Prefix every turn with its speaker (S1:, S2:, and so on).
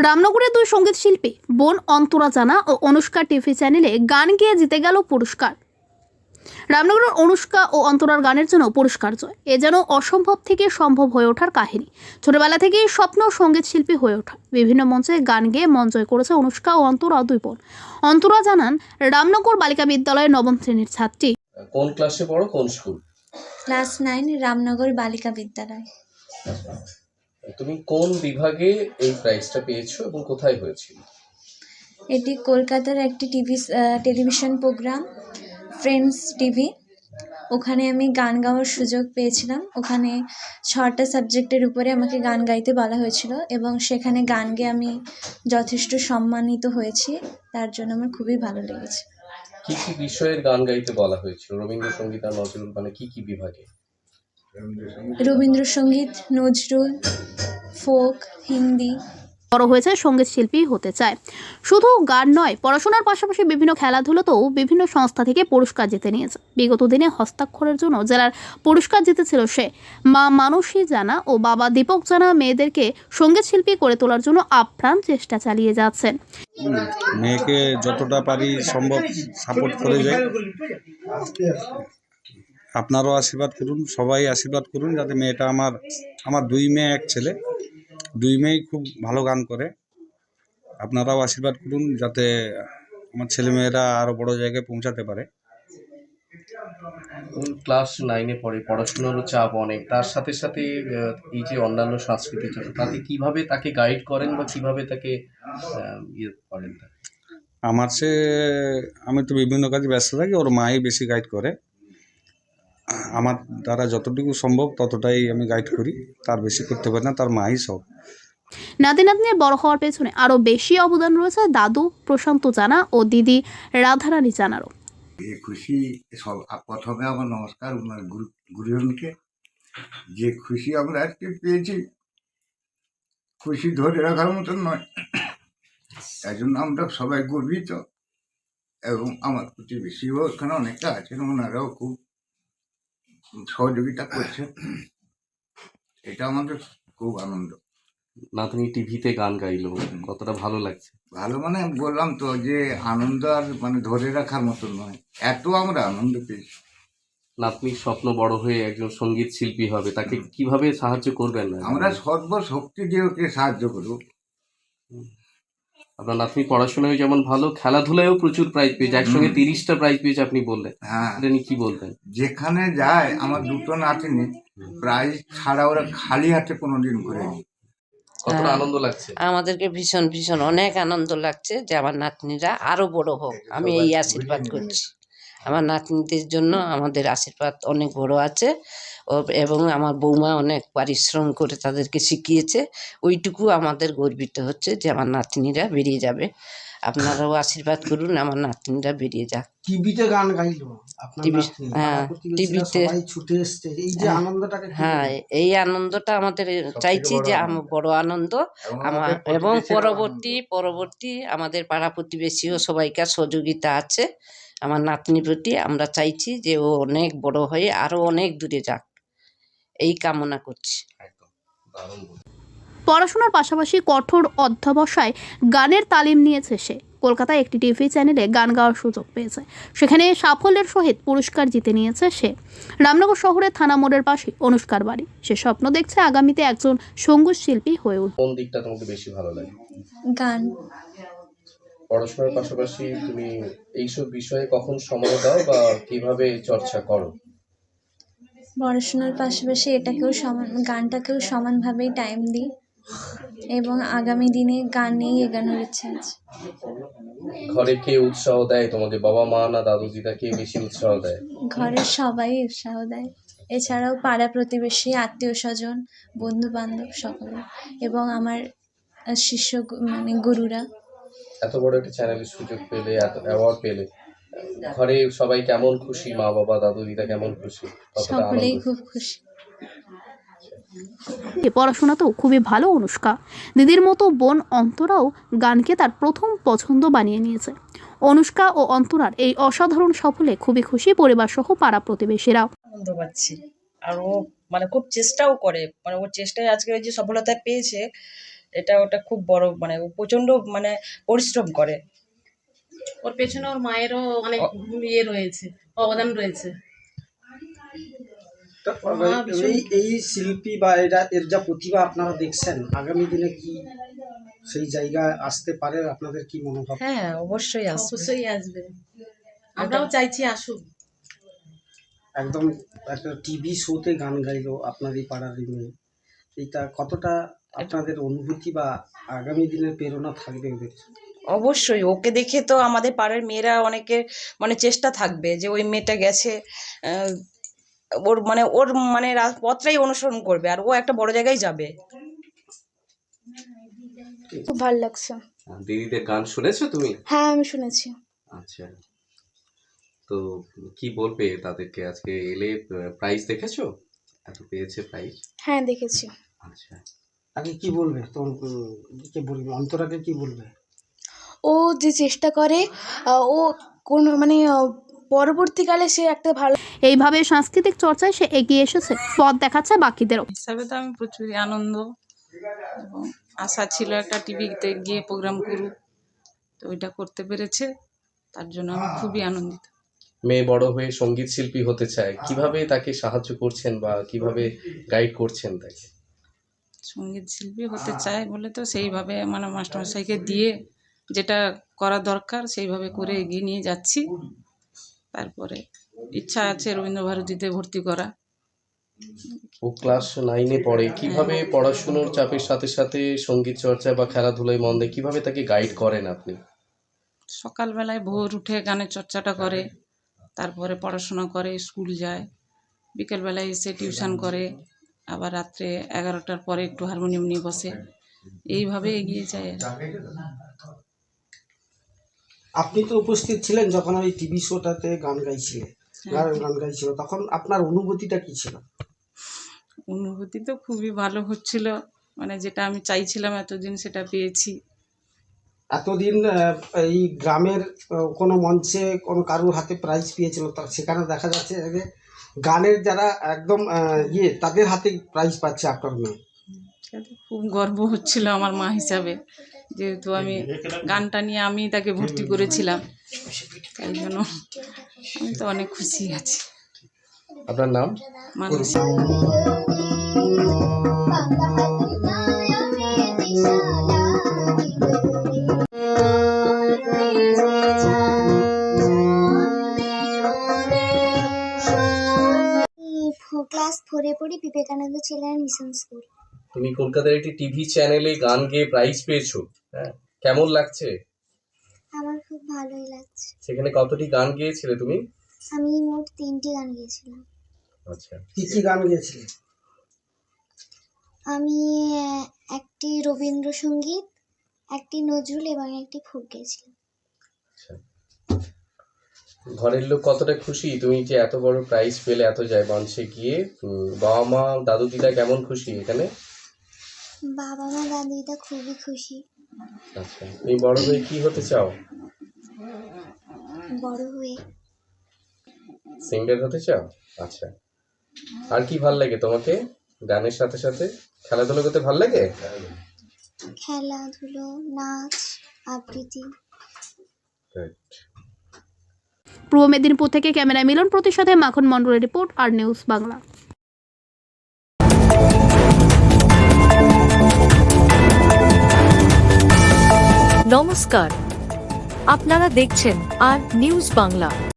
S1: রামনগরের দুই সঙ্গীত শিল্পী বোন অন্তরা জানা ও অনুষ্কা টিভি চ্যানেলে গান গেয়ে জিতে গেল পুরস্কার। রামনগরের অনুষ্কা ও অন্তরার গানের জন্য পুরস্কার জয় এ যেন অসম্ভব থেকে সম্ভব হয়ে ওঠার কাহিনী। ছোটবেলা থেকেই স্বপ্ন সঙ্গীত শিল্পী হয়ে ওঠা। বিভিন্ন মঞ্চে গান গেয়ে মন জয় করেছে অনুষ্কা ও অন্তরা দুই বোন। অন্তরা জানান, রামনগর বালিকা বিদ্যালয়ের নবম শ্রেণীর ছাত্রী।
S2: কোন ক্লাসে পড়ো, কোন স্কুল?
S3: ক্লাস 9 রামনগর বালিকা বিদ্যালয়।
S2: তুমি কোন বিভাগে এই প্রাইজটা পেয়েছো এবং কোথায় হয়েছিল?
S3: এটি কলকাতার একটি টেলিভিশন প্রোগ্রাম ফ্রেন্ডস টিভি। ওখানে আমি গান গাওয়ার সুযোগ পেয়েছিলাম। ওখানে 6টা সাবজেক্টের উপরে আমাকে গান গাইতে বলা হয়েছিল এবং সেখানে গান গেয়ে আমি যথেষ্ট সম্মানিত হয়েছি। তার জন্য আমার খুবই ভালো লেগেছে।
S2: কি কি বিষয়ের গান গাইতে বলা হয়েছিল? রবীন্দ্রসঙ্গীত আর নজরুল, মানে কি কি বিভাগে?
S3: রবীন্দ্রসঙ্গীত, নজরুল, ফোক, হিন্দি।
S1: বড় হয়েছে সঙ্গীত শিল্পী হতে চায়। শুধু গান নয়, পড়াশোনার পাশাপাশি বিভিন্ন খেলাধুলাতেও বিভিন্ন সংস্থা থেকে পুরস্কার জিতে নিয়েছে। বিগত দিনে হস্তাক্ষরের জন্য জেলার পুরস্কার জিতেছিল সে। মা মানসী জানা ও বাবা দীপক জানা মেয়েদেরকে সঙ্গীত শিল্পী করে তোলার জন্য আপ্রাণ চেষ্টা চালিয়ে যাচ্ছেন।
S4: মেয়েকে যতটা পারি সম্ভব সাপোর্ট করে যাই। আপনারাও আশীর্বাদ করুন, সবাই আশীর্বাদ করুন যাতে মেয়েটা আমার দুই মেয়ে এক ছেলে, দুই মেয়েই খুব ভালো গান করে। আপনারাও আশীর্বাদ করুন যাতে আমার ছেলেমেয়েরা আরও বড় জায়গায় পৌঁছাতে পারে।
S2: ক্লাস 9-এ পড়ে, পড়াশোনারও চাপ অনেক, তার সাথে সাথে এই যে অন্যান্য সাংস্কৃতিক চর্চা, তাতে কিভাবে তাকে গাইড করেন বা কিভাবে তাকে করেন?
S4: আমি তো বিভিন্ন কাজে ব্যস্ত থাকি, ওর মাই বেশি গাইড করে। আমার দ্বারা যতটুকু সম্ভব ততটাই আমি গাইড করি, তার বেশি করতে পারি না, তার মাই সব।
S1: নাতি নাতনির বড় হওয়ার পেছনে আরো বেশি অবদান রয়েছে দাদু প্রশান্ত জানা ও দিদি রাধারানী জানারও।
S5: খুশি সব। প্রথমে আমার নমস্কার ওনার গুরুজনকে। যে খুশি আমরা আজকে পেয়েছি, খুশি ধরে রাখার মতন নয়। তাই জন্য আমরা সবাই গর্বিত এবং আমার প্রতিবেশীও এখানে অনেকটা আছেন, ওনারাও খুব সহযোগিতা করছেন। এটা আমাদের খুব আনন্দ।
S2: নাতনি টিভিতে গান গাইলো, কতটা ভালো লাগছে?
S5: ভালো মানে বললাম তো যে আনন্দ আর মানে ধরে রাখার মতন নয়, এত আমরা আনন্দ পেয়েছি।
S2: নাতনির স্বপ্ন বড় হয়ে একজন সঙ্গীত শিল্পী হবে, তাকে কিভাবে সাহায্য করবেন?
S5: আমরা সর্বশক্তি দিয়ে ওকে সাহায্য করব।
S2: আপনার নাতনি পড়াশোনায় যেমন ভালো, খেলাধুলায়ও প্রচুর প্রাইজ পেয়েছে, একসঙ্গে 30টা প্রাইজ পেয়েছে আপনি বললেন।
S5: হ্যাঁ,
S2: এটা নিয়ে কি বলতেন?
S5: যেখানে যায় আমার দুটো নাতনি প্রাইজ ছাড়া ওরা খালি হাতে কোনোদিন ঘুরেনি।
S2: কতটা আনন্দ লাগছে?
S6: আমাদেরকে ভীষণ ভীষণ অনেক আনন্দ লাগছে যে আমার নাতনিরা আরো বড় হোক। আমি এই আশীর্বাদ করছি। আমার নাতনিদের জন্য আমাদের আশীর্বাদ অনেক বড় আছে এবং আমার বৌমা অনেক পরিশ্রম করে তাদেরকে শিখিয়েছে। ওইটুকু আমাদের গর্বিত হচ্ছে যে আমার নাতনিরা বেরিয়ে যাবে। আপনারাও আশীর্বাদ করুন আমার নাতনিরা বেরিয়ে যাক।
S7: টিভিতে গান গাইলো,
S6: হ্যাঁ, টিভিতে
S7: ছুটে এসছে, এই যে আনন্দটাকে।
S6: হ্যাঁ, এই আনন্দটা আমাদের চাইছি যে বড় আনন্দ আমার, এবং পরবর্তী আমাদের পাড়া প্রতিবেশীও সবাইকার সহযোগিতা আছে আমার নাতনির প্রতি। আমরা চাইছি যে ও অনেক বড় হয়ে আরো অনেক দূরে যাক, এই কামনা করছি।
S1: পড়াশোনার পাশাপাশি কঠোর অধ্যবসায় গানের তালিম নিয়েছে সে। কলকাতায় একটি টিভি চ্যানেলে গান গাওয়ার সুযোগ পেয়েছে, সেখানে সাফল্যের সহিত পুরস্কার জিতে নিয়েছে সে। রামনগর শহরের থানা মোড়ের পাশে অনুষ্কার বাড়ি। সে স্বপ্ন দেখছে আগামীতে একজন সঙ্গীত শিল্পী হয়ে উঠবে।
S2: কোন দিকটা তোমাকে বেশি ভালো লাগে?
S3: গান।
S2: পড়াশোনার পাশাপাশি তুমি এইসব বিষয়ে কখন সময় দাও বা কিভাবে চর্চা করো?
S3: পড়াশোনার পাশাপাশি গানটাকেও সমানভাবেই টাইম দিই এবং আগামী দিনে গান নিয়েই এগোনোর ইচ্ছা আছে।
S2: ঘরে কে উৎসাহ দেয় তোমাকে, বাবা মা না দাদু দিদা, কে বেশি উৎসাহ দেয়?
S3: ঘরের সবাই উৎসাহ দেয়, এছাড়াও পাড়া প্রতিবেশী, আত্মীয় স্বজন, বন্ধু বান্ধব সকলে এবং আমার শিষ্য গুরুরা।
S2: এত বড় একটা চ্যানেলের সুযোগ পেলে, এত অ্যাওয়ার্ড পেলে, ঘরে সবাই কেমন খুশি? মা বাবা দাদু দিদা কেমন খুশি?
S3: সকলেই খুব খুশি।
S1: পড়াশোনাতেও খুবই ভালো অনুষ্কা। দিদির মতো বোন অন্তরাও গানকে তার প্রথম পছন্দ বানিয়ে নিয়েছে। অনুষ্কা ও অন্তরার এই অসাধারণ সফলে খুবই খুশি পরিবার সহ পাড়া প্রতিবেশীরাও।
S8: আনন্দ পাচ্ছি, আর ও খুব চেষ্টাও করে, ওর চেষ্টায় আজকে ওই যে সফলতা পেয়েছে, এটা ওটা খুব বড়, মানে ও প্রচণ্ড মানে পরিশ্রম করে।
S9: ওর পেছনে ওর মায়েরও অনেক ইয়ে রয়েছে, অবদান রয়েছে।
S7: তো
S9: ভীষণ-
S7: এই শিল্পী বা এর যা প্রতিভা আপনারা দেখছেন, আগামী দিনে কি সেই জায়গায় আসতে পারে? আপনাদের কি মনোভাব?
S8: হ্যাঁ, অবশ্যই আসবে।
S9: অবশ্যই আসবে, আমরাও চাইছি আসুক।
S7: একদম একটা টিভি শোতে গান গাইলো আপনার এই পাড়ার এই মেয়ে, এটা কতটা আপনাদের অনুভূতি বা আগামী দিনের প্রেরণা থাকবে ওদের?
S8: অবশ্যই ওকে দেখে তো আমাদের পাড়ার মেয়েরা অনেকে মানে চেষ্টা থাকবে যে ওই মেয়েটা গেছে, ওর মানে পথটাই অনুসরণ করবে, আর ও একটা বড় জায়গায় যাবে।
S10: খুব ভালো লাগছে।
S2: দিদিদের গান শুনেছো তুমি?
S10: হ্যাঁ, আমি শুনেছি।
S2: আচ্ছা, তো কি বলবে তাদেরকে? আজকে এলে প্রাইজ দেখেছো, এত পেয়েছে প্রাইজ?
S10: হ্যাঁ, দেখেছি।
S2: আচ্ছা,
S7: আগে কি বলবে তোমার, কে বলবে, অন্তরাকে কি বলবে?
S10: ও যে চেষ্টা করে, ও কোন মানে পরবর্তীকালে সে একটা ভালো
S1: এইভাবে সাংস্কৃতিক চর্চায় সে এগিয়ে এসেছে, পথ দেখাচ্ছে বাকিদেরও।
S11: হিসাবে তো আমি প্রচুরই আনন্দ, এবং আশা ছিল একটা টিভিতে গিয়ে প্রোগ্রাম করুক, তো ওইটা করতে পেরেছে, তার জন্য আমি খুবই আনন্দিত।
S2: মেয়ে বড় হয়ে সঙ্গীত শিল্পী হতে চায়, কিভাবে তাকে সাহায্য করছেন বা কিভাবে গাইড করছেন তাকে?
S11: সঙ্গীত শিল্পী হতে চায় বলে তো সেইভাবে মানে মাস্টারমশাইকে দিয়ে যেটা করা দরকার সেইভাবে করে এগিয়ে নিয়ে যাচ্ছি। তারপরে ইচ্ছা আছে রবীন্দ্রভারতীতে ভর্তি করা।
S2: ও ক্লাস 9-এ পড়ে, কিভাবে পড়াশুনোর চাপের সাথে সাথে সঙ্গীত চর্চা বা খেলাধুলায় মন দেয়, কিভাবে তাকে গাইড করেন আপনি?
S11: সকালবেলায় ভোর উঠে গানের চর্চাটা করে, তারপরে পড়াশোনা করে, স্কুল যায়, বিকেলবেলায় এসে টিউশন করে, আবার রাত্রে 11টার পরে একটু হারমোনিয়াম নিয়ে বসে, এইভাবে এগিয়ে যায় আর কি।
S7: আপনি তো উপস্থিত ছিলেন যখন ওই টিভি শোটাতে গান গাইছিল, তখন আপনার অনুভূতিটা কি ছিল?
S11: অনুভূতি তো খুবই ভালো হচ্ছিল, মানে যেটা আমি চাইছিলাম এতদিন সেটা পেয়েছি।
S7: এতদিন এই গ্রামের কোনো মঞ্চে কোনো কারোর হাতে প্রাইজ পেয়েছিল, সেখানে দেখা যাচ্ছে যে গানের যারা একদম তাদের হাতে প্রাইজ পাচ্ছে আপনার মেয়ে।
S11: সেটা খুব গর্ব হচ্ছিল আমার মা হিসাবে, যেহেতু আমি গানটা নিয়ে আমি তাকে ভর্তি করেছিলাম, তাই জন্য আমি তো অনেক খুশি আছি।
S2: আপনার নাম?
S11: মানসী।
S10: ক্লাস 4-এ পড়ি, বিবেকানন্দ চিলড্রেন মিশন স্কুল।
S2: তুমি কলকাতার একটি টিভি চ্যানেলে গান গেয়ে প্রাইজ পেয়েছো, হ্যাঁ, কেমন লাগছে?
S10: আমার খুব ভালোই লাগছে।
S2: সেখানে কতটি গান গেয়েছিলে তুমি?
S10: আমি মোট 3টি গান গেয়েছিলাম।
S2: আচ্ছা,
S7: কি কি গান গেয়েছিলে?
S10: আমি একটি রবীন্দ্রসঙ্গীত, একটি নজরুল এবং একটি ফোক গেয়েছিলাম।
S2: আচ্ছা, ঘরের লোক কতটা খুশি তুমি যে এত বড় প্রাইজ পেলে এত যায় মঞ্চে গিয়ে? বাবা মা দাদু দিদা কেমন খুশি এখানে?
S10: বাবা মা দাদু দিদা খুবই খুশি।
S2: আচ্ছা, তুমি বড় হয়ে কি হতে চাও?
S10: বড় হয়ে
S2: সিঙ্গার হতে চাও? আচ্ছা, আর কি ভাল লাগে তোমাকে গানের সাথে সাথে? খেলাধুলা করতে ভাল লাগে?
S10: খেলাধুলো, নাচ, আবৃত্তি।
S2: Good.
S1: পূর্ব মেদিনীপুর থেকে ক্যামেরায় মিলন প্রতির সাথে মাখন মণ্ডলের রিপোর্ট, আর নিউজ বাংলা।
S12: নমস্কার, আপনারা দেখছেন আর নিউজ বাংলা।